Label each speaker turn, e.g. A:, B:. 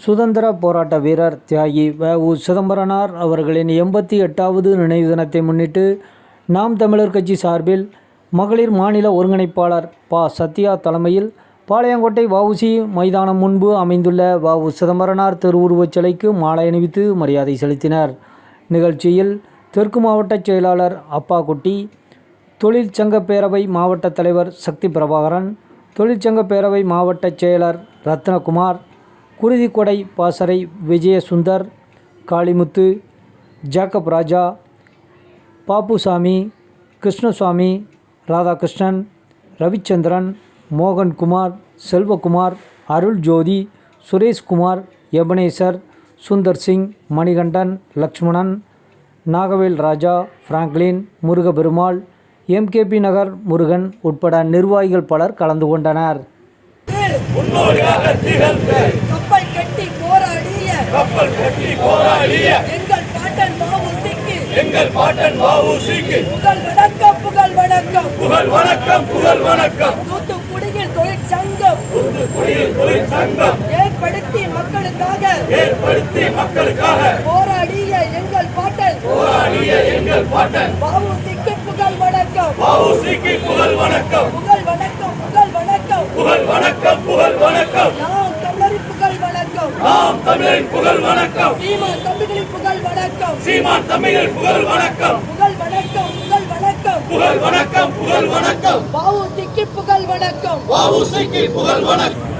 A: சுதந்திர போராட்ட வீரர் தியாகி வ.உ. சிதம்பரனார் அவர்களின் 88வது நினைவு தினத்தை முன்னிட்டு நாம் தமிழர் கட்சி சார்பில் மகளிர் மாநில ஒருங்கிணைப்பாளர் ப. சத்யா தலைமையில் பாளையங்கோட்டை வ.உ.சி. மைதானம் முன்பு அமைந்துள்ள வ.உ. சிதம்பரனார் திருவுருவச் சிலைக்கு மாலை அணிவித்து மரியாதை செலுத்தினர். நிகழ்ச்சியில் தெற்கு மாவட்ட செயலாளர் அப்பாக்குட்டி, தொழிற்சங்க பேரவை மாவட்ட தலைவர் சக்தி பிரபாகரன், தொழிற்சங்க பேரவை மாவட்ட செயலர் ரத்னகுமார், குருதிக்கொடை பாசறை Vijayasundar, Kalimuthu, Jacob Raja, Pappusamy, Krishnaswamy, Radhakrishnan, Ravichandran, Mohankumar, Selvakumar, Aruljothi, Sureshkumar, Ebenezer, Sundarsingh, Manikandan, Lakshmanan, Nagavel Raja, Franklin, Murugaperumal, M K P. Nagar Murugan உட்பட நிர்வாகிகள் பலர் கலந்து கொண்டனர்.
B: எங்கள் பாட்டன் வ.உ.சி.க்கு புகழ் வணக்கம். தூத்துக்குடியில் தொழிற்சங்கம் ஏற்படுத்தி மக்களுக்காக போராடிய எங்கள் பாட்டன் வ.உ.சி.க்கு புகழ் வணக்கம். நாம் தமிழரின் புகழ் வணக்கம். சீமான் தம்பிகளின் புகழ் வணக்கம். வ.உ.சி.க்கு புகழ் வணக்கம்.